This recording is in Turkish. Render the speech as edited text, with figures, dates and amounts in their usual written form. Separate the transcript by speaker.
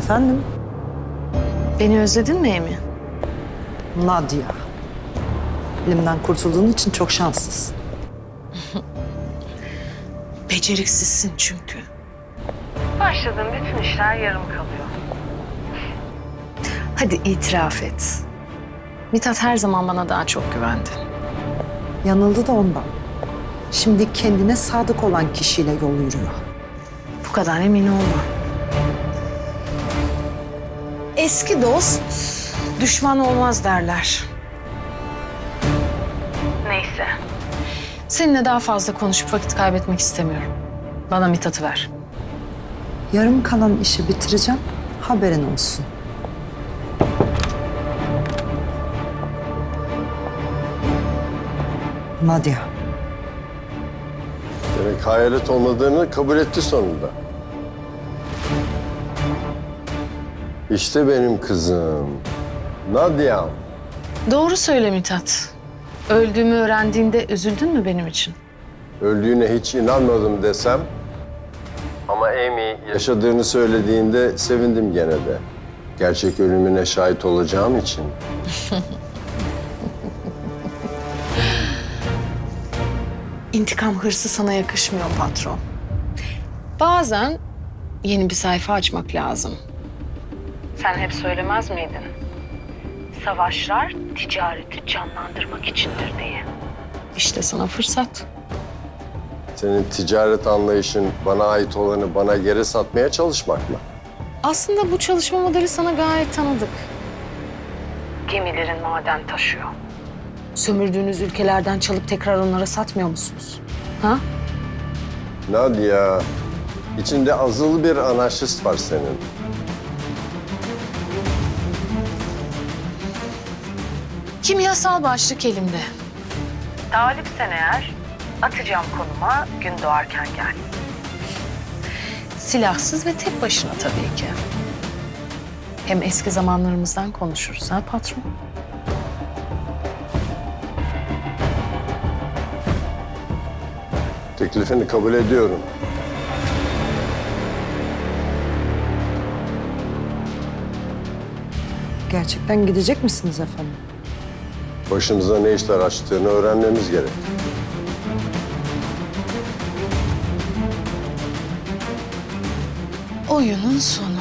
Speaker 1: Efendim?
Speaker 2: Beni özledin mi Emi?
Speaker 1: Nadia. Elimden kurtulduğun için çok şanslısın.
Speaker 2: Beceriksizsin çünkü. Başladığın bütün işler yarım kalıyor. Hadi itiraf et. Mithat her zaman bana daha çok güvendi.
Speaker 1: Yanıldı da ondan. Şimdi kendine sadık olan kişiyle yol yürüyor.
Speaker 2: Bu kadar emin olma. Eski dost düşman olmaz derler. Neyse. Seninle daha fazla konuşup vakit kaybetmek istemiyorum. Bana Mithat'ı ver.
Speaker 1: Yarım kalan işi bitireceğim, haberin olsun. Nadia.
Speaker 3: Demek hayalet olmadığını kabul etti sonunda. İşte benim kızım. Nadia.
Speaker 2: Doğru söyle Mithat. Öldüğümü öğrendiğinde üzüldün mü benim için?
Speaker 3: Öldüğüne hiç inanmadım desem. Ama Amy yaşadığını söylediğinde sevindim gene de. Gerçek ölümüne şahit olacağım için.
Speaker 2: İntikam hırsı sana yakışmıyor patron. Bazen yeni bir sayfa açmak lazım. Sen hep söylemez miydin? Savaşlar ticareti canlandırmak içindir diye. İşte sana fırsat.
Speaker 3: Senin ticaret anlayışın bana ait olanı bana geri satmaya çalışmak mı?
Speaker 2: Aslında bu çalışma modeli sana gayet tanıdık. Gemilerin maden taşıyor. Sömürdüğünüz ülkelerden çalıp tekrar onlara satmıyor musunuz? Ha?
Speaker 3: Nadia, içinde azılı bir anarşist var senin.
Speaker 2: Kimyasal başlık elimde. Talipsen eğer atacağım konuma gün doğarken gel. Silahsız ve tek başına tabii ki. Hem eski zamanlarımızdan konuşuruz ha patron?
Speaker 3: Teklifini kabul ediyorum.
Speaker 1: Gerçekten gidecek misiniz efendim?
Speaker 3: Başımıza ne işler açtığını öğrenmemiz gerek.
Speaker 2: Oyunun sonu.